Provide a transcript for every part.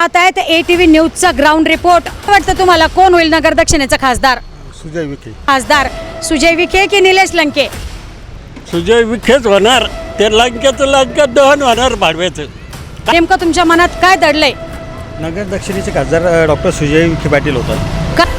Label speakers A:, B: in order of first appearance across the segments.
A: आता आहे ATV न्यूजचा ग्राउंड रिपोर्ट. वाटतं तुम्हाला कोण होईल नगर दक्षिणेचा खासदार?
B: सुजय विखे.
A: खासदार सुजय विखे की निलेश लंके?
C: सुजय विखेच होणार. ते लंकेचं लंका दहन होणार भाडव्याचं.
A: नेमकं तुमच्या मनात काय दडलंय?
B: नगर दक्षिणेचे खासदार डॉक्टर सुजय विखे पाटील होतात.
A: का?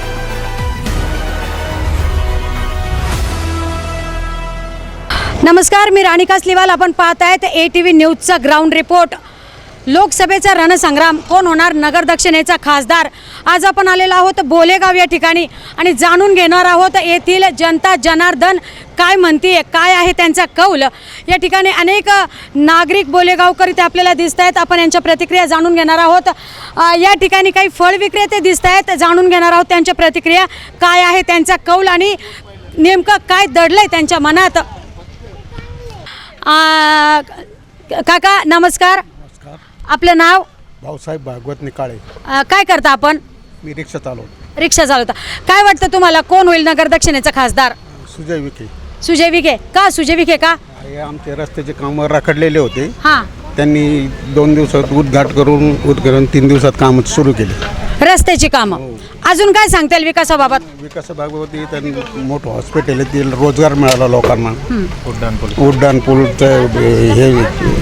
A: नमस्कार, मी राणी कासलीवाल. आपण पाहत आहेत ATV न्यूजचा ग्राउंड रिपोर्ट. लोकसभेचा रणसंग्राम, कोण होणार नगर दक्षिणेचा खासदार? आज आपण आलेलो आहोत बोलेगाव या ठिकाणी आणि जाणून घेणार आहोत येथील जनता जनार्दन काय म्हणते, काय आहे त्यांचा कौल. या ठिकाणी अनेक नागरिक बोलेगावकर इथे आपल्याला दिसत आहेत. आपण यांच्या प्रतिक्रिया जाणून घेणार आहोत. या ठिकाणी काही फळ विक्रेते दिसत आहेत, जाणून घेणार आहोत त्यांच्या प्रतिक्रिया, काय आहे त्यांचा कौल आणि नेमकं काय दडलंय त्यांच्या मनात. काका नमस्कार. आपलं नाव?
B: भाऊसाहेब भागवत निकाळे.
A: काय करता आपण?
B: मी रिक्षा चालवतो.
A: रिक्षा चालवता. काय वाटतं तुम्हाला कोण होईल नगर दक्षिणेचा खासदार?
B: सुजय विखे.
A: सुजय विखे का? सुजय विखे का?
B: हे आमचे रस्त्याचे कामं रखडलेले होते.
A: हां,
B: त्यांनी 2 दिवसात उद्घाटन 3 दिवसात काम सुरू केले.
A: रस्त्याची कामं. अजून काय सांगता येईल विकासाबाबत?
B: विकासाबाबत त्यांनी मोठं हॉस्पिटल आहे, ते रोजगार मिळाला लोकांना. उड्डाण पूलचं हे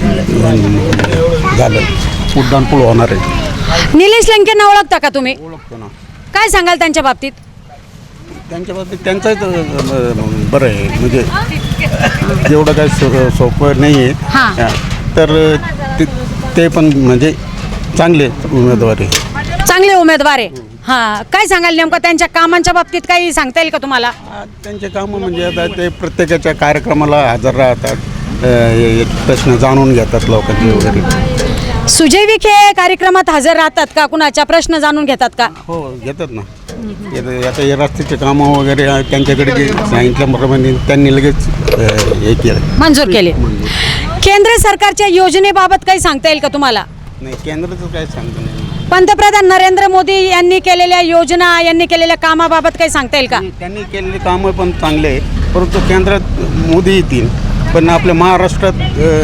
B: झालं, उड्डाण पूल होणार आहे.
A: निलेश लंकेंना ओळखता का तुम्ही?
B: ओळखतो ना.
A: काय सांगाल त्यांच्या बाबतीत?
B: त्यांच्या बाबतीत त्यांचंच बरं आहे, म्हणजे एवढं काही सोपं नाही
A: हां.
B: आहे. तर ते पण म्हणजे चांगले उमेदवार आहे.
A: चांगले उमेदवार आहे. हां, काय सांगाल नेमकं त्यांच्या कामांच्या बाबतीत काही सांगता येईल का तुम्हाला?
B: त्यांचे कामं म्हणजे आता ते प्रत्येकाच्या कार्यक्रमाला हजर राहतात, प्रश्न जाणून घेतात लोकांचे वगैरे.
A: सुजय विखे कार्यक्रमात हजर राहतात का? कुणाच्या प्रश्न जाणून घेतात का?
B: हो, घेतात ना. आता हे रस्त्याचे कामं वगैरे त्यांच्याकडे जे सांगितल्याप्रमाणे त्यांनी लगेच हे केलं,
A: मंजूर केले. केंद्र सरकारच्या योजनेबाबत काही सांगता येईल का तुम्हाला?
B: नाही, केंद्राचं काय सांगतो नाही.
A: पंतप्रधान नरेंद्र मोदी यांनी केलेल्या योजना, यांनी केलेल्या कामाबाबत काही सांगता येईल का?
B: त्यांनी केलेली कामं पण चांगले आहे, परंतु केंद्रात मोदी येतील, पण आपल्या महाराष्ट्रात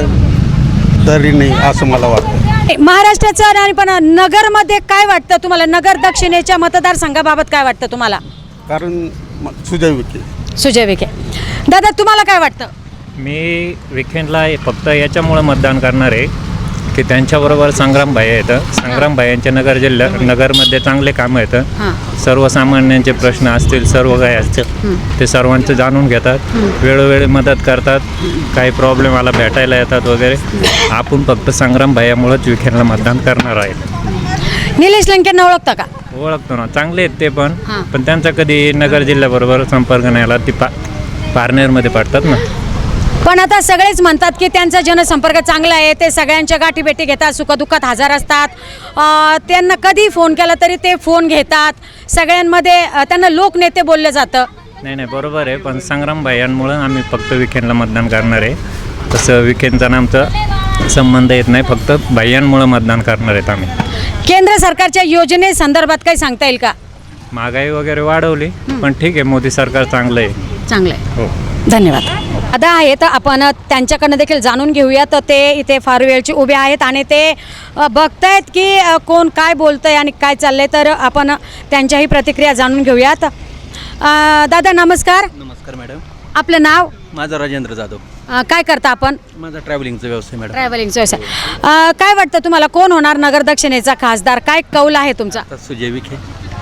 B: तरी नाही असं मला वाटतं.
A: महाराष्ट्राचं आणि पण नगरमध्ये काय वाटतं तुम्हाला? नगर दक्षिणेच्या मतदारसंघाबाबत काय वाटतं तुम्हाला?
B: कारण सुजय विखे.
A: सुजय विखे. दादा तुम्हाला काय वाटतं?
D: मी विखेंडला फक्त याच्यामुळं मतदान करणार आहे की त्यांच्याबरोबर संग्राम भाई येतं. संग्राम भाईंच्या नगरमध्ये चांगले कामं येतं. सर्वसामान्यांचे प्रश्न असतील, सर्व काही असतील, ते सर्वांचं जाणून घेतात, वेळोवेळी मदत करतात, काही प्रॉब्लेम आला भेटायला येतात वगैरे. आपण फक्त संग्राम भाईमुळंच विखेंडला मतदान करणार आहे.
A: निलेश लंकेंना ओळखता का?
D: ओळखतो ना, चांगले आहेत ते पण त्यांचा कधी नगर जिल्ह्याबरोबर संपर्क नाही आला. ती पारनेरमध्ये पडतात ना.
A: पण आता सगळेच म्हणतात की त्यांचा जनसंपर्क चांगला आहे, ते सगळ्यांच्या गाठीभेटी घेतात, सुखदुःखात हजर असतात. त्यांना कधी फोन केला तरी ते फोन घेतात. सगळ्यांमध्ये त्यांना लोकनेते बोललं जातं.
D: नाही, बरोबर आहे, पण संग्राम भाईंमुळं आम्ही फक्त विखेंडला मतदान करणार आहे. तसं विखेंडचा आमचा संबंध येत नाही, फक्त भाईंमुळं मतदान करणार आहेत आम्ही.
A: केंद्र सरकारच्या योजनेसंदर्भात काही सांगता येईल का?
D: महागाई वगैरे वाढवली, पण ठीक आहे, मोदी सरकार चांगलं आहे.
A: चांगलं आहे.
D: हो,
A: धन्यवाद. आता आहेत, आपण त्यांच्याकडनं देखील जाणून घेऊया. तर ते इथे फार वेळचे उभे आहेत आणि ते बघतायत की कोण काय बोलतंय आणि काय चाललंय. तर आपण त्यांच्याही प्रतिक्रिया जाणून घेऊयात. दादा नमस्कार.
E: नमस्कार मॅडम.
A: आपलं नाव?
E: माझा राजेंद्र जाधव.
A: काय करता आपण?
E: माझा ट्रॅव्हलिंगचा व्यवसाय मॅडम.
A: ट्रॅव्हलिंगचा व्यवसाय. काय वाटतं तुम्हाला कोण होणार नगर दक्षिणेचा खासदार? काय कौल आहे तुमचा?
E: सुजय विखे.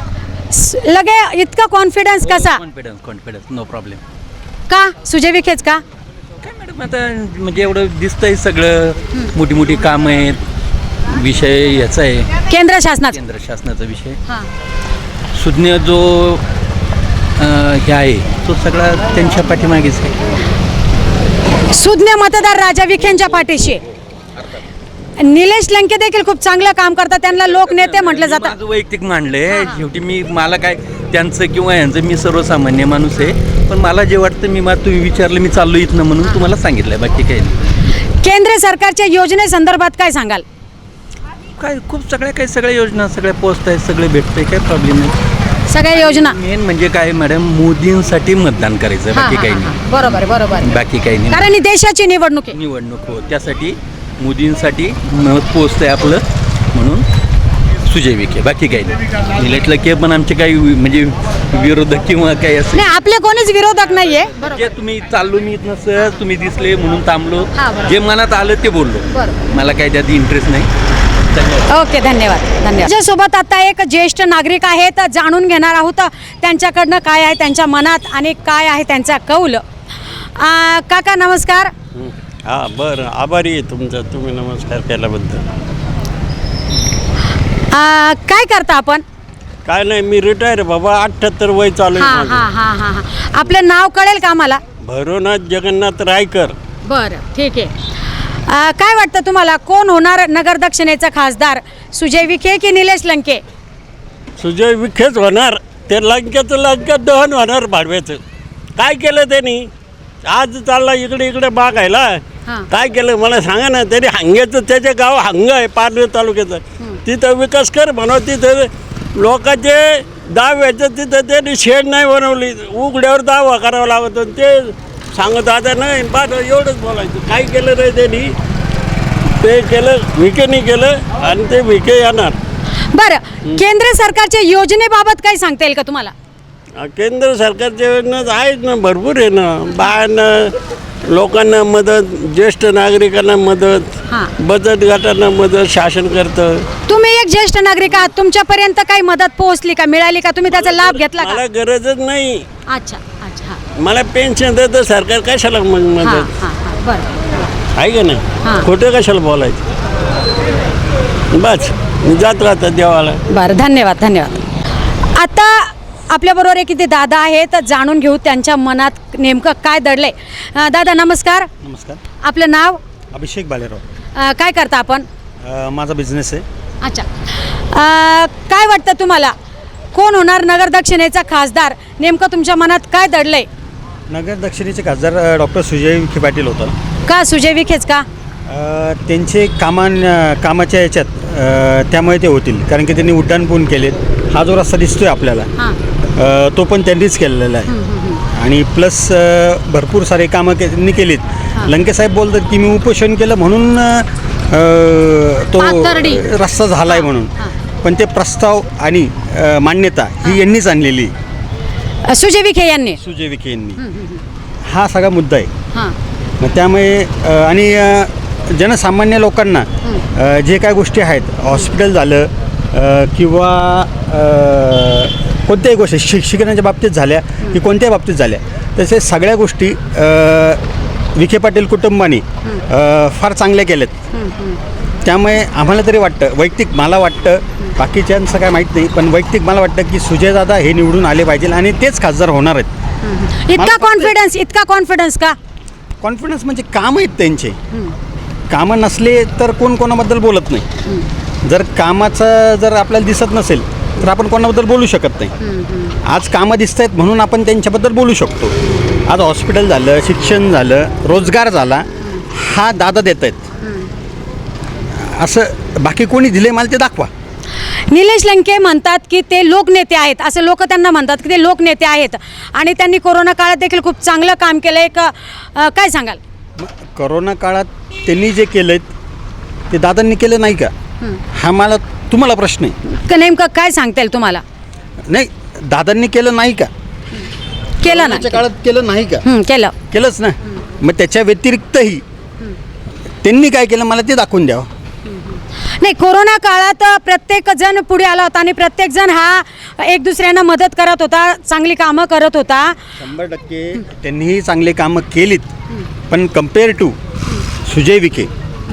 A: लगे इतका कॉन्फिडन्स कसा?
E: Confidence no problem.
A: का सुजय विखेच का?
E: काय मॅडम, आता म्हणजे एवढं दिसतंय सगळं, मोठी मोठी कामं आहेत, विषय याचा आहे
A: केंद्र शासनाचा.
E: केंद्र शासनाचा विषय. सुज्ञ जो हे आहे तो सगळा त्यांच्या पाठीमागेच आहे.
A: सुज्ञ मतदार राजा विखेंच्या पाठीशी आहे. निलेश लंके देखील खूप चांगलं काम करतात, त्यांना लोकनेते म्हटलं जातं.
E: माझं वैयक्तिक मांडलंय शेवटी. मला काय त्यांचं किंवा यांचं, मी सर्वसामान्य माणूस आहे, पण मला जे वाटतं तुम्ही विचारलं, मी चाललो इथनं म्हणून तुम्हाला सांगितलंय, बाकी काही नाही.
A: केंद्र सरकारच्या योजनेसंदर्भात काय सांगाल?
E: काय खूप सगळ्या योजना सगळ्या पोस्ट आहेत, सगळे भेटतंय, काय प्रॉब्लेम नाही.
A: सगळ्या योजना
E: मेन म्हणजे काय मॅडम, मोदींसाठी मतदान करायचं, बाकी काही नाही.
A: बरोबर बरोबर.
E: बाकी काही नाही,
A: कारण ही देशाची निवडणूक आहे.
E: निवडणूक हो, त्यासाठी मोदींसाठी मत पोचतंय आपलं, म्हणून सुजय विखे, बाकी काही नाही. निलेश लंके पण आमचे काही म्हणजे विरोधक किंवा काही असं
A: नाही, आपले कोणीच विरोधक नाहीये.
E: जे तुम्ही चाललो मी इथनं सहज तुम्ही दिसले म्हणून थांबलो,
A: हा, बरोबर.
E: जे मनात आलं ते बोललो.
A: बरोबर.
E: मला काही त्यात इंटरेस्ट नाही. धन्यवाद.
A: ओके, धन्यवाद धन्यवाद. माझ्यासोबत आता एक ज्येष्ठ नागरिक आहेत, जाणून घेणार आहोत त्यांच्याकडनं काय आहे त्यांच्या मनात आणि काय आहे त्यांचा कौल. काका नमस्कार.
C: हां बरं, आभारी आहे तुमचं, तुम्ही नमस्कार केल्याबद्दल.
A: काय करता आपण?
C: काय नाही, मी रिटायर बाबा, 78 वय चालू
A: हा
C: आहे
A: हा
C: माझं.
A: हा हा हा आपलं नाव कळेल का मला?
C: भैरवनाथ जगन्नाथ रायकर.
A: बरं, ठीक आहे. काय वाटतं तुम्हाला, कोण होणार नगर दक्षिणेचा खासदार, सुजय विखे की निलेश लंके?
C: सुजय विखेच होणार. ते लंकेचं लंका दहन होणार भाडव्याचं. काय केलं त्यांनी? आज चालला इकडे इकडे बागायला.
A: हां.
C: काय केलं मला सांगा ना. त्यांनी हांग्याचं, त्याचे गाव हांग आहे पारनेर तालुक्याचं, तिथं विकास कर म्हणा. तिथं लोकांचे दाव्याचं तिथं त्यांनी शेड नाही बनवली, उघड्यावर दावा करावा लागत. ते सांगत आता नाही पाठ एवढंच बोलायचं. काय केलं नाही त्यांनी, ते केलं विखेनी केलं आणि ते विखे येणार.
A: बरं, केंद्र सरकारच्या योजनेबाबत काही सांगता येईल का तुम्हाला?
C: केंद्र सरकारच्या योजना आहेत ना, भरपूर आहे ना. बायांना, लोकांना मदत, ज्येष्ठ नागरिकांना मदत,
A: हां.
C: बचत गटांना मदत शासन करतं.
A: तुम्ही एक ज्येष्ठ नागरिक आहात, तुमच्यापर्यंत काही मदत पोहोचली का, मिळाली का, तुम्ही त्याचा लाभ घेतला का?
C: मला गरजच नाही.
A: अच्छा अच्छा, हां
C: मला पेन्शन देतं सरकार, कशाला मग
A: हां
C: मदत
A: हां हां, बरं.
C: आहे का
A: हां.
C: नाही? खोटं कशाला बोलायचं. बस मी जात राहतात देवाला.
A: बरं, धन्यवाद धन्यवाद. आता आपल्याबरोबर एक इथे दादा आहेत, जाणून घेऊ त्यांच्या मनात नेमकं काय दडलंय. दादा नमस्कार.
F: नमस्कार.
A: आपलं नाव?
F: अभिषेक बालेराव.
A: काय करता आपण?
F: माझा बिझनेस आहे.
A: अच्छा. काय वाटतं तुम्हाला, कोण होणार नगर दक्षिणेचा खासदार? नेमकं तुमच्या मनात काय दडलंय?
F: नगर दक्षिणेचे खासदार डॉक्टर सुजय विखे पाटील होता.
A: का सुजय विखेच का?
F: त्यांचे कामाच्या याच्यात त्यामुळे ते होतील, कारण की त्यांनी उड्डाणपूल केलेत. हा जो रस्ता दिसतोय आपल्याला,
A: हां.
F: तो पण त्यांनीच केलेला आहे. आणि प्लस भरपूर सारे कामं त्यांनी केलीत. लंकेसाहेब बोलतात की मी उपोषण केलं म्हणून तो
A: पाथर्डी.
F: रस्ता झाला आहे म्हणून, पण ते प्रस्ताव आणि मान्यता ही यांनीच आणलेली,
A: सुजय विखे यांनी.
F: सुजय विखे यांनी. हा सगळा मुद्दा आहे.
A: हां.
F: मग त्यामुळे आणि जनसामान्य लोकांना जे काय गोष्टी आहेत, हॉस्पिटल झालं किंवा कोणत्याही गोष्टी शिक्षणाच्या बाबतीत झाल्या की कोणत्याही बाबतीत झाल्या, तसे सगळ्या गोष्टी विखे पाटील कुटुंबाने फार चांगल्या केल्यात. त्यामुळे आम्हाला तरी वाटतं, वैयक्तिक मला वाटतं, बाकीच्यांचं काय माहीत नाही, पण वैयक्तिक मला वाटतं की सुजयदादा हे निवडून आले पाहिजे आणि तेच खासदार होणार आहेत.
A: इतका कॉन्फिडन्स, इतका कॉन्फिडन्स का?
F: कॉन्फिडन्स म्हणजे कामं आहेत त्यांचे. कामं नसले तर कोण कोणाबद्दल बोलत नाही. जर कामाचं जर आपल्याला दिसत नसेल तर आपण कोणाबद्दल बोलू शकत नाही. आज कामं दिसत आहेत म्हणून आपण त्यांच्याबद्दल बोलू शकतो. आज हॉस्पिटल झालं, शिक्षण झालं, रोजगार झाला, हा दादा देत आहेत. असं बाकी कोणी दिले मला ते दाखवा.
A: निलेश लंके म्हणतात की ते लोकनेते आहेत, असं लोक त्यांना म्हणतात की ते लोकनेते आहेत आणि त्यांनी कोरोना काळात देखील खूप चांगलं काम केलं आहे. काय सांगाल?
F: करोना काळात त्यांनी जे केलं ते दादांनी केलं नाही का, हा मला तुम्हाला प्रश्न आहे.
A: नेमकं काय सांगता येईल तुम्हाला?
F: नाही, दादांनी केलं नाही का?
A: केलं ना?
F: कोरोनाच्या काळात केलं नाही का?
A: केलं.
F: केलंच ना. मग त्याच्या व्यतिरिक्तही त्यांनी काय केलं मला ते दाखवून द्यावं.
A: नाही, कोरोना काळात प्रत्येक जण पुढे आला होता आणि प्रत्येक जण हा एक दुसऱ्यांना मदत करत होता, चांगली कामं करत होता.
F: 100% त्यांनीही चांगले कामं केलीत, पण compare to Sujay Vikhe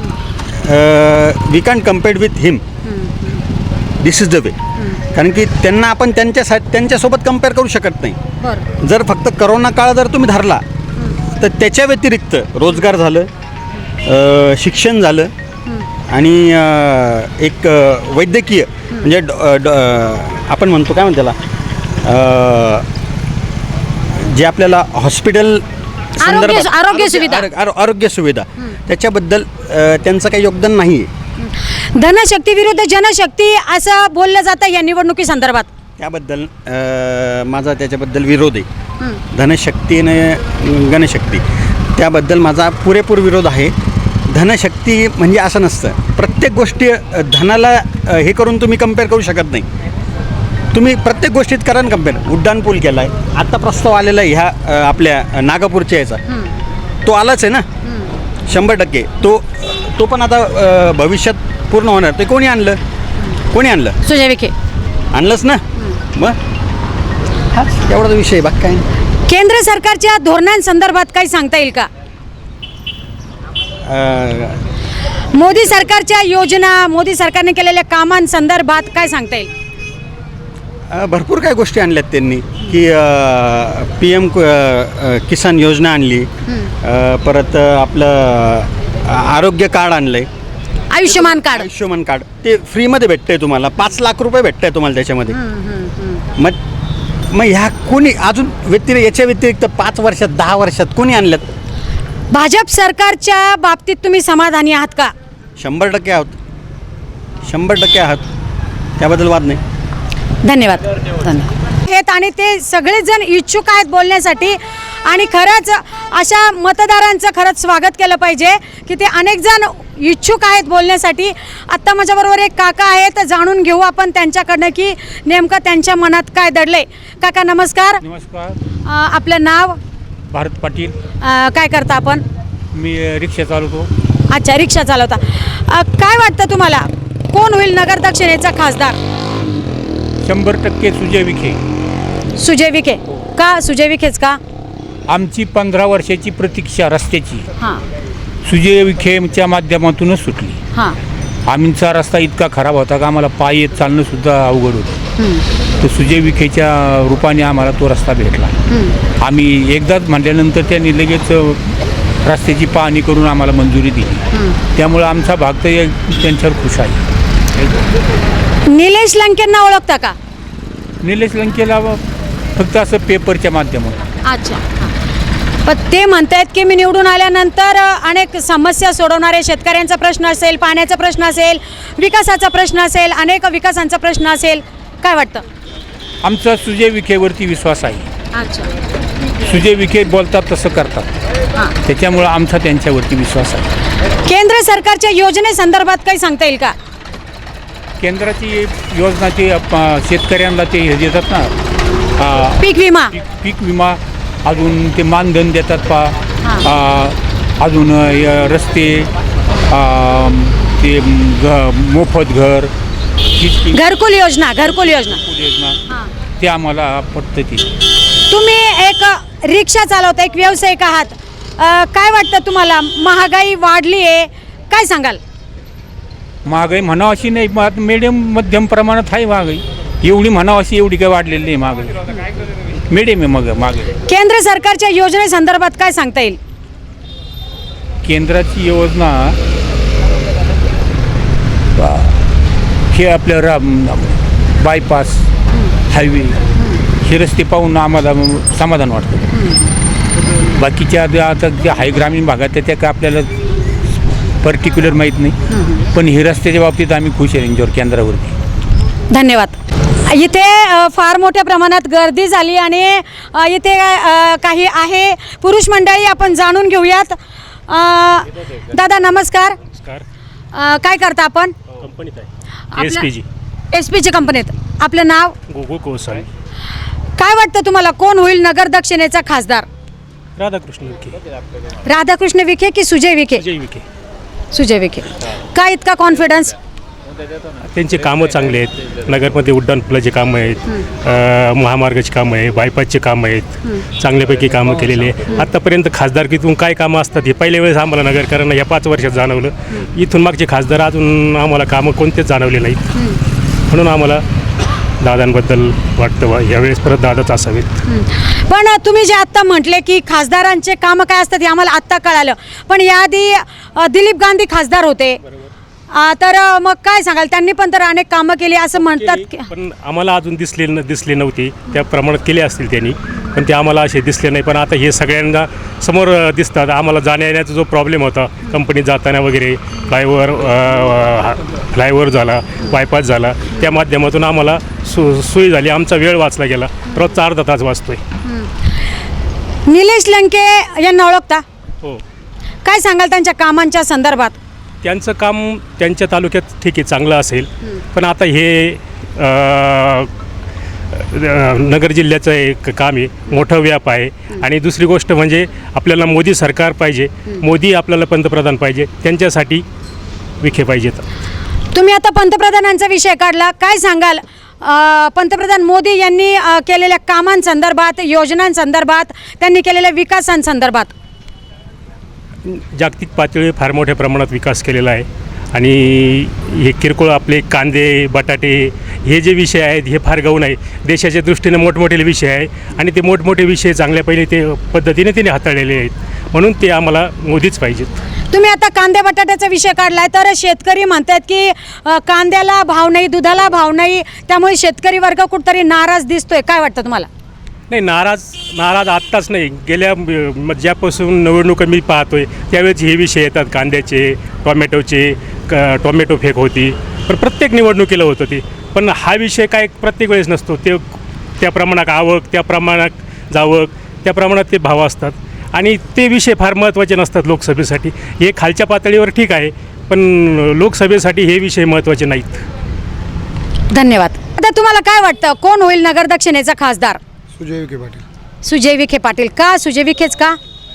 F: we can compare with him. This is the way. कारण की त्यांना आपण त्यांच्यासोबत कम्पेअर करू शकत नाही.
A: बरं.
F: जर फक्त करोना काळ जर तुम्ही धरला तर त्याच्या व्यतिरिक्त रोजगार झालं, शिक्षण झालं आणि एक वैद्यकीय म्हणजे आपण म्हणतो काय म्हणतो त्याला, जे आपल्याला हॉस्पिटल
A: आरोग्य सुविधा.
F: आरोग्य सुविधा त्याच्याबद्दल त्यांचं काही योगदान नाही आहे.
A: धनशक्ती विरुद्ध जनशक्ती असं बोललं जातं या निवडणुकी संदर्भात.
F: त्याबद्दल माझा त्याच्याबद्दल विरोध आहे. धनशक्ती आणि गणशक्ती त्याबद्दल माझा पुरेपूर विरोध आहे. धनशक्ती म्हणजे असं नसतं. प्रत्येक गोष्टी धनाला हे करून तुम्ही कम्पेअर करू शकत नाही. तुम्ही प्रत्येक गोष्टीत करा ना कम्पेअर. उड्डाणपूल केला आहे, आत्ता प्रस्ताव आलेला आहे ह्या आपल्या नागापूरच्या याचा, तो आलाच आहे ना 100%. तो पण आता भविष्यात पूर्ण होणार. ते कोणी आणलं?
A: सुजय विखे
F: आणलंच ना. मग हाच एवढा विषय आहे, बाकी काय नाही.
A: केंद्र सरकारच्या धोरणांसंदर्भात काही सांगता येईल का? मोदी सरकारच्या योजना, मोदी सरकारने केलेल्या कामांसंदर्भात काय सांगता येईल?
F: भरपूर काही गोष्टी आणल्यात त्यांनी की PM किसान योजना आणली, परत आपलं आरोग्य कार्ड आणलं आहे,
A: आयुष्यमान कार्ड.
F: आयुष्यमान कार्ड ते फ्रीमध्ये भेटतं आहे तुम्हाला. 5 लाख रुपये भेटतं आहे तुम्हाला त्याच्यामध्ये. मग ह्या कोणी अजून याच्या व्यतिरिक्त 5 वर्षात 10 वर्षात कोणी आणल्यात?
A: भाजप सरकारच्या बाबतीत तुम्ही समाधानी आहात का?
F: 100% आहोत, 100% आहात, त्याबद्दल वाद नाही.
A: धन्यवाद. आहेत आणि ते सगळेच जण इच्छुक आहेत बोलण्यासाठी आणि खरंच अशा मतदारांचं खरंच स्वागत केलं पाहिजे की ते अनेक जण इच्छुक आहेत बोलण्यासाठी. आत्ता माझ्याबरोबर एक काका आहेत, जाणून घेऊ आपण त्यांच्याकडनं की नेमकं त्यांच्या मनात काय दडलंय. काका नमस्कार.
G: नमस्कार.
A: आपलं नाव?
G: भारत पाटील.
A: काय करता आपण?
G: मी रिक्षा चालवतो.
A: अच्छा, रिक्षा चालवता. काय वाटतं तुम्हाला कोण होईल नगर दक्षिणेचा खासदार?
G: 100% सुजय विखे.
A: सुजय विखे का? सुजय विखेच का?
G: आमची 15 वर्षाची प्रतीक्षा रस्त्याची
A: हां
G: सुजय विखेच्या माध्यमातूनच सुटली.
A: हां
G: आमचा रस्ता इतका खराब होता का आम्हाला पायी येत चालणंसुद्धा अवघड होतं. तर सुजय विखेच्या रूपाने आम्हाला तो रस्ता भेटला. आम्ही एकदाच म्हटल्यानंतर त्यांनी लगेच रस्त्याची पाहणी करून आम्हाला मंजुरी दिली. त्यामुळं आमचा भाग तर त्यांच्यावर खुश आहे.
A: निलेश लंकेंना ओळखता का?
G: निलेश लंकेला फक्त असं पेपरच्या माध्यमातून.
A: अच्छा. पण ते म्हणतायत की मी निवडून आल्यानंतर अनेक समस्या सोडवणारे, शेतकऱ्यांचा प्रश्न असेल, पाण्याचा प्रश्न असेल, विकासाचा प्रश्न असेल, अनेक विकासांचा प्रश्न असेल. काय वाटतं?
G: आमचा सुजय विखेवरती विश्वास आहे.
A: अच्छा.
G: सुजय विखे बोलतात तसं करतात, त्याच्यामुळं आमचा त्यांच्यावरती विश्वास आहे.
A: केंद्र सरकारच्या योजनेसंदर्भात काही सांगता येईल का?
G: केंद्राची योजना ते शेतकऱ्यांना ते हे देतात ना,
A: पीक विमा.
G: पीक विमा, अजून ते मानधन देतात अजून रस्ते, ते मोफत घर,
A: घरकुल योजना.
G: योजना ते आम्हाला पटतं. ती
A: तुम्ही एक रिक्षा चालवता, एक व्यावसायिक आहात. काय वाटतं तुम्हाला? महागाई वाढली आहे, काय सांगाल?
G: महागाई म्हणावं अशी नाही, मिडियम मध्यम प्रमाणात आहे महागाई. एवढी म्हणावं अशी एवढी काय वाढलेली नाही महागाई, मिडियम आहे मग महागाई.
A: केंद्र सरकारच्या योजनेसंदर्भात काय सांगता येईल?
G: केंद्राची योजना हे आपलं बायपास, हायवे, हे रस्ते पाहून आम्हाला समाधान वाटतं. बाकीच्या आता ज्या हाय ग्रामीण भागात त्या काय आपल्याला पर्टिक्युलर माहीत नाही, पण हे रस्त्याच्या बाबतीत आम्ही खुश आहे यांच्यावर, केंद्रावरती.
A: धन्यवाद. इथे फार मोठ्या प्रमाणात गर्दी झाली आणि इथे काही आहे पुरुष मंडळी, आपण जाणून घेऊयात. दादा नमस्कार. काय करता आपण?
H: कंपनीत आहे, SPG.
A: SPG कंपनीत. आपलं नाव?
H: गोकुळ कोळसाळे.
A: काय वाटतं तुम्हाला कोण होईल नगर दक्षिणेचा खासदार?
H: राधाकृष्ण विखे.
A: राधाकृष्ण विखे की सुजय विखे?
H: सुजय विखे.
A: सुजय विखे. काय इतका कॉन्फिडन्स?
H: त्यांचे कामं चांगले आहेत. नगरमध्ये उड्डाणपुलाचे कामं आहेत, महामार्गाची कामं आहे, बायपासचे कामं आहेत, चांगल्यापैकी कामं केलेली आहे. आत्तापर्यंत खासदारकीतून काय कामं असतात हे पहिल्या वेळेस आम्हाला नगरकरांना या 5 वर्षात जाणवलं. इथून मागचे खासदार अजून आम्हाला कामं कोणतेच जाणवले नाहीत. म्हणून आम्हाला दादांबद्दल वाटतं यावेळेस परत दादाच असावेत.
A: पण तुम्ही जे आत्ता म्हटले की खासदारांचे कामं काय असतात हे आम्हाला आत्ता कळालं, पण याआधी दिलीप गांधी खासदार होते, तर मग काय सांगाल? त्यांनी पण तर अनेक कामं केली असं म्हणतात.
H: पण आम्हाला अजून दिसले नव्हते, त्या प्रमाणात केले असतील त्यांनी, पण ते आम्हाला असे दिसले नाही. पण आता हे सगळ्यांना समोर दिसतात. आम्हाला जाण्या येण्याचा जो प्रॉब्लेम होता कंपनीत जाताना वगैरे, फ्लायओव्हर झाला, बायपास झाला, त्या माध्यमातून आम्हाला सोयी झाली. आमचा वेळ वाचला गेला, रोजचा अर्धा तास वाचतोय.
A: निलेश लंके यांना ओळखता?
H: हो.
A: काय सांगाल त्यांच्या कामांच्या संदर्भात?
H: त्यांचं काम त्यांच्या तालुक्यात ठीक आहे चांगलं असेल, पण आता हे नगर जिल्ह्याचं एक काम आहे, मोठं व्याप आहे. आणि दुसरी गोष्ट म्हणजे आपल्याला मोदी सरकार पाहिजे, मोदी आपल्याला पंतप्रधान पाहिजे, त्यांच्यासाठी विखे पाहिजेत.
A: तुम्ही आता पंतप्रधानांचा विषय काढला, काय सांगाल पंतप्रधान मोदी यांनी केलेल्या कामांसंदर्भात, योजनांसंदर्भात, त्यांनी केलेल्या विकासांसंदर्भात?
H: जागतिक पातळीवर फार मोठ्या प्रमाणात विकास केलेला आहे. आणि हे किरकोळ आपले कांदे बटाटे हे जे विषय आहेत हे फार गौण आहे. देशाच्या दृष्टीने मोठमोठे विषय आहे आणि ते मोठमोठे विषय चांगल्या पहिले ते पद्धतीने त्याने हाताळलेले आहेत, म्हणून ते आम्हाला मोदीच पाहिजेत.
A: तुम्ही आता कांदे बटाट्याचा विषय काढलाय, तर शेतकरी म्हणतात की कांद्याला भाव नाही, दुधाला भाव नाही, त्यामुळे शेतकरी वर्ग कुठतरी नाराज दिसतोय. काय वाटतं तुम्हाला?
H: नाही, नाराज आत्ताच नाही, गेल्या ज्यापासून निवडणुका मी पाहतोय त्यावेळेस हे विषय येतात, कांद्याचे, टोमॅटोचे, टोमॅटो फेक होती, पण प्रत्येक निवडणुकीला होतं ते. पण हा विषय काय प्रत्येक वेळेस नसतो, ते त्या प्रमाणात आवक, त्या प्रमाणात जावक, त्या प्रमाणात ते भाव असतात आणि ते विषय फार महत्त्वाचे नसतात लोकसभेसाठी. हे खालच्या पातळीवर ठीक आहे, पण लोकसभेसाठी हे विषय महत्त्वाचे नाहीत.
A: धन्यवाद. आता तुम्हाला काय वाटतं, कोण होईल नगर दक्षिणेचा खासदार?
I: सुजय विखे पाटील.
A: सुजय विखे पाटील. का सुजय विखेच का?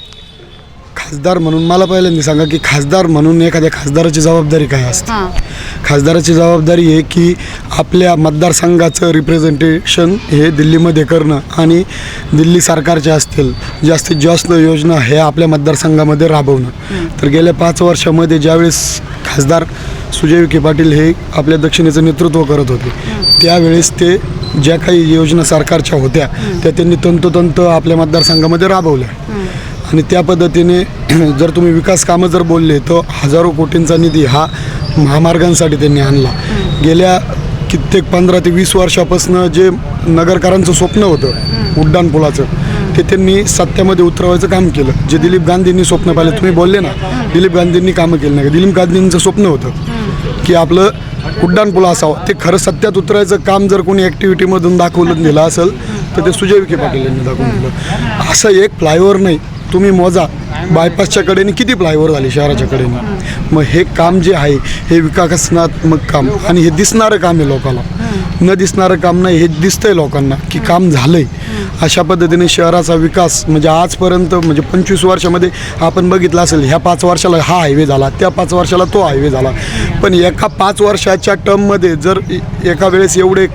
I: खासदार म्हणून मला पहिल्यांदा सांगा की खासदार म्हणून एखाद्या खासदाराची जबाबदारी काय असते? खासदाराची जबाबदारी आहे की आपल्या मतदारसंघाचं रिप्रेझेंटेशन हे दिल्लीमध्ये करणं आणि दिल्ली सरकारच्या असतील जास्तीत जास्त योजना हे आपल्या मतदारसंघामध्ये राबवणं. तर गेल्या 5 वर्षामध्ये ज्यावेळेस खासदार सुजय विखे पाटील हे आपल्या दक्षिणेचं नेतृत्व करत होते, त्यावेळेस ते ज्या काही योजना सरकारच्या होत्या त्या त्यांनी तंतोतंत आपल्या मतदारसंघामध्ये राबवल्या. आणि त्या पद्धतीने जर तुम्ही विकास कामं जर बोलले तर हजारो कोटींचा निधी हा महामार्गांसाठी त्यांनी आणला. गेल्या कित्येक 15 ते 20 वर्षापासून जे नगरकरांचं स्वप्न होतं उड्डाणपुलाचं, ते त्यांनी सत्यामध्ये उतरवायचं काम केलं. जे दिलीप गांधींनी स्वप्न पाहिलं, तुम्ही बोलले ना दिलीप गांधींनी कामं केली नाही. दिलीप गांधींचं स्वप्न होतं की आपलं उड्डाणपूल असावं, ते खरं सत्यात उतरायचं काम जर कोणी ॲक्टिव्हिटीमधून दाखवलं दिलं असेल तर ते सुजय विखे पाटील यांनी दाखवून दिलं. असं एक फ्लायओव्हर नाही, तुम्ही मोजा बायपासच्या कडेने किती फ्लायओव्हर झाले शहराच्या कडेने. मग हे काम जे आहे हे विकासात्मक काम आणि हे दिसणारं काम आहे लोकांना, न दिसणारं काम नाही, हे दिसतंय लोकांना की काम झालंय. अशा पद्धतीने शहराचा विकास म्हणजे आजपर्यंत म्हणजे 25 वर्षामध्ये आपण बघितलं असेल, ह्या 5 वर्षाला हा हायवे झाला, त्या 5 वर्षाला तो हायवे झाला. पण एका 5 वर्षाच्या टर्ममध्ये जर एका वेळेस एवढे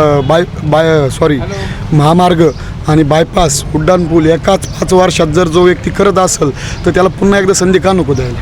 I: महामार्ग आणि बायपास उड्डाणपूल एकाच 5 वर्षात जर जो व्यक्ती करत असेल तर त्याला पुन्हा एकदा संधी का नको द्यायला.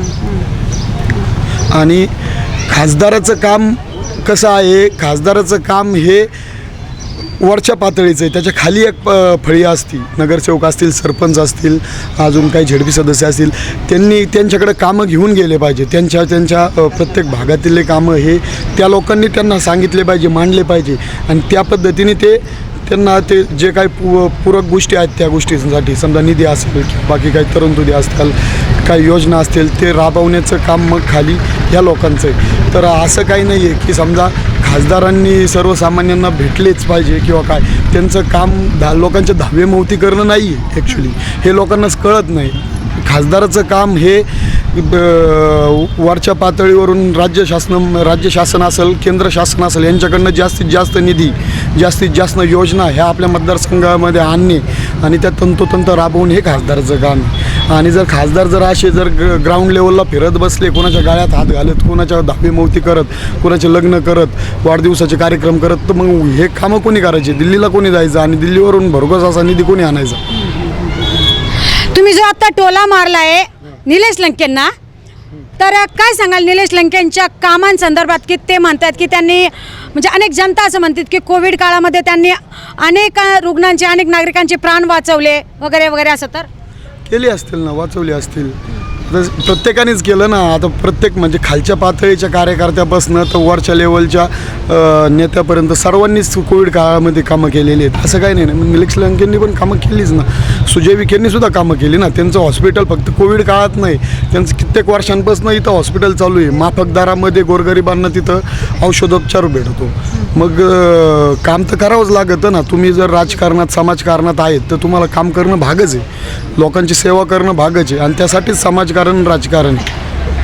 I: आणि खासदाराचं काम कसं आहे, खासदाराचं काम हे वरच्या पातळीचं आहे, त्याच्या खाली एक फळी असती, नगरसेवक असतील, सरपंच असतील, अजून काही झेडपी सदस्य असतील, त्यांनी त्यांच्याकडे कामं घेऊन गेले पाहिजे. त्यांच्या प्रत्येक भागातील कामं हे त्या लोकांनी त्यांना सांगितले पाहिजे, मांडले पाहिजे आणि त्या पद्धतीने त्यांना ते जे काही पूरक गोष्टी आहेत त्या गोष्टींसाठी समजा निधी असेल किंवा बाकी काही तरुणतुदी असतील, काही योजना असतील, ते राबवण्याचं काम मग खाली या लोकांचं आहे. तर असं काही नाही आहे की समजा खासदारांनी सर्वसामान्यांना भेटलेच पाहिजे किंवा काय, त्यांचं काम लोकांच्या धावेमोवती करणं नाही आहे. ॲक्च्युली हे लोकांनाच कळत नाही. खासदाराचं काम हे वरच्या पातळीवरून राज्य शासन असेल, केंद्र शासन असेल, यांच्याकडनं जास्तीत जास्त निधी, जास्तीत जास्त योजना ह्या आपल्या मतदारसंघामध्ये आणणे आणि त्या तंतोतंत राबवून हे खासदाराचं काम आहे. आणि जर खासदार जर असे जर ग्राउंड लेवलला फिरत बसले, कोणाच्या गाळ्यात हात घालत, कोणाच्या धाबेमोवती करत, कोणाचे लग्न करत, वाढदिवसाचे कार्यक्रम करत, तर मग हे कामं कोणी करायचे? दिल्लीला कोणी जायचं आणि दिल्लीवरून भरघोस असा निधी कोणी आणायचा?
A: तुम्ही जो आता टोला मारलाय निलेश लंकेंना, तर काय सांगाल निलेश लंकेंच्या कामांसंदर्भात? की ते म्हणतात की त्यांनी म्हणजे अनेक जनता असं म्हणतात की कोविड काळामध्ये त्यांनी अनेक रुग्णांचे, अनेक नागरिकांचे प्राण वाचवले वगैरे वगैरे, असं तर
I: केले असतील ना, वाचवले असतील, प्रत्येकानेच केलं ना. आता प्रत्येक म्हणजे खालच्या पातळीच्या कार्यकर्त्यापासून तर वरच्या लेवलच्या नेत्यापर्यंत सर्वांनीच कोविड काळामध्ये कामं केलेली आहेत. असं काही नाही ना. निलेश लंकेंनी पण कामं केलीच ना, सुजय विखेंनी सुद्धा कामं केली ना. त्यांचं हॉस्पिटल फक्त कोविड काळात नाही, त्यांचं कित्येक वर्षांपासून इथं हॉस्पिटल चालू आहे. माफक दरामध्ये गोरगरिबांना तिथं औषधोपचार भेटतो. मग काम तर करावंच लागतं ना. तुम्ही जर राजकारणात समाजकारणात आहेत तर तुम्हाला काम करणं भागच आहे, लोकांची सेवा करणं भागच आहे, आणि त्यासाठीच समाजकारण राजकारण आहे.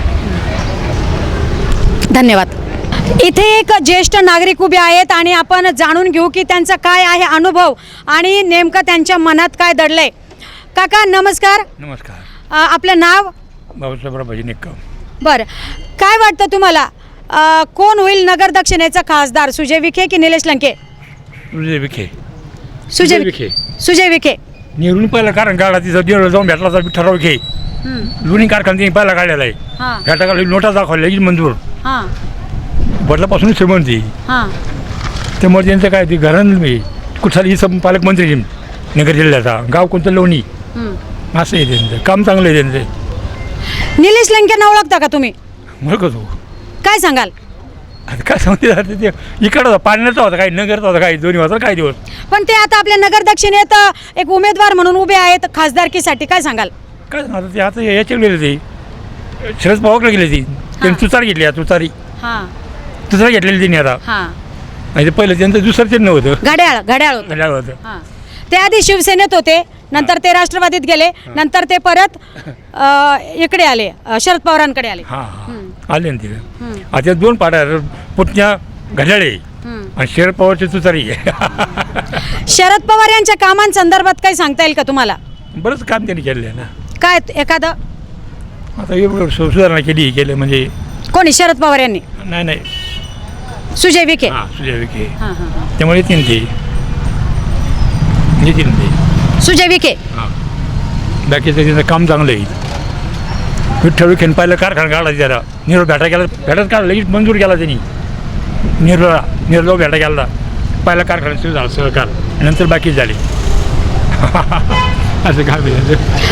A: धन्यवाद. इथे एक ज्येष्ठ नागरिक उभे आहेत आणि आपण जाणून घेऊ की त्यांचा काय आहे अनुभव आणि नेमकं त्यांच्या मनात काय दडलंय. काका नमस्कार.
G: नमस्कार.
A: आपलं नाव?
G: बाबासाहेब भजनिक.
A: बरं, काय वाटतं तुम्हाला कोण होईल नगर दक्षिणेचा खासदार, सुजय विखे की निलेश लंके?
G: सुजय विखे.
A: सुजय
G: विखे.
A: सुजय विखे.
G: निवडून पहिला कारण काढला तिथं देवळ जाऊन भेटला होता विठ्ठलराव विखे. दोन्ही कारखाना त्यांनी पहिला काढलेला आहे.
A: हां
G: भेटा काढली, नोटा दाखवल्या लगेच मंजूर.
A: हां
G: बदलापासून श्रीमंती.
A: हां
G: त्यामुळे त्यांचं काय ते घरानं मी कुठला ही पालकमंत्री नगर जिल्ह्याचा, गाव कोणतं लोणी, असं आहे त्यांचं काम चांगलं आहे त्यांचं.
A: निलेश लंकेंना ओळखता का तुम्ही?
G: ओळखत हो.
A: काय सांगाल?
G: आता काय सांगते ते इकडं होता, पाण्याचा होता काही, नगरचा होता काही, दोन्ही होता काही दिवस.
A: पण ते आता आपल्या नगर दक्षिणेत एक उमेदवार म्हणून उभे आहेत खासदारकीसाठी, काय सांगाल?
G: काय आता ते आता याच्या गेले ते शरद पवारकडे गेले ती, त्यांनी तुतारी घेतली, तुतारी
A: हां
G: तुतारी घेतलेली त्यांनी आता.
A: हां
G: आणि ते पहिलं त्यांचं दुसरं चिन्ह होतं,
A: घड्याळ घड्याळ होतं.
G: घड्याळ होतं.
A: हां, ते आधी शिवसेनेत होते, नंतर ते राष्ट्रवादीत गेले, नंतर ते परत इकडे आले, शरद पवारांकडे आले.
G: हां हां आले ना तिथे. आता दोन पाड्या, पुतण्या घड्याळे आणि शरद पवारची तुतारी.
A: शरद पवार यांच्या कामांसंदर्भात काही सांगता येईल का तुम्हाला?
G: बरंच काम त्यांनी केलं आहे ना.
A: काय एखादं?
G: आता एवढं सुधारणा केली केलं म्हणजे.
A: कोणी? शरद पवार यांनी?
G: नाही
A: सुजय विखे.
G: हां सुजय विखे.
A: हां हां
G: त्यामुळे येतील ते येतील ते.
A: सुजय विखे.
G: हां बाकीचं त्यांचं काम चांगलं आहे. विठ्ठल विखेन पहिलं कारखाना काढला त्याला, निरोप भेटा गेला, भेटत काढला, लगेच मंजूर केला त्यांनी. निर्लो भेटा गेला, पहिला कारखाना सुरू झाला सहकार, नंतर बाकी झाले. असं काम आहे.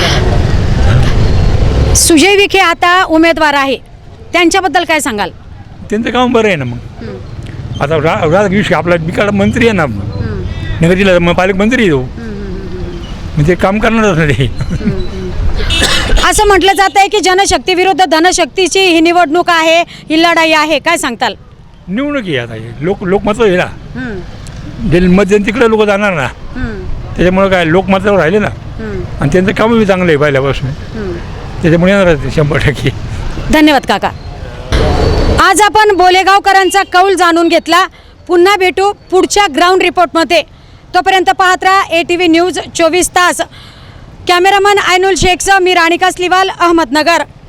A: सुजय विखे आता उमेदवार आहे, त्यांच्याबद्दल काय सांगाल?
G: त्यांचं काम बरं आहे ना. मग आता राधाकृष्ण आपला बिकाड मंत्री आहे ना, नगर जिल्ह्याचा मग पालकमंत्री आहे तो, म्हणजे काम करणारच ना ते.
A: असं म्हटलं जात आहे की जनशक्ती विरुद्ध धनशक्तीची ही निवडणूक आहे, ही लढाई आहे, काय सांगताल?
G: निवडणूक आहे आता हे. लोकमत आहे ना, जे मत तिकडे लोक जाणार ना, त्याच्यामुळे काय लोकमतावर राहिले ना, आणि त्यांचं काम बी चांगलं आहे पहिल्यापासून, त्याच्यामुळे येणार ते 100%.
A: धन्यवाद काका. आज आपण बोलेगावकरांचा कौल जाणून घेतला. पुन्हा भेटू पुढच्या ग्राउंड रिपोर्टमध्ये. तोपर्यंत पाहत राहा ATV न्यूज 24 तास. कॅमेरामन आयनुल शेखसह मी राणी कासलीवाल, अहमदनगर.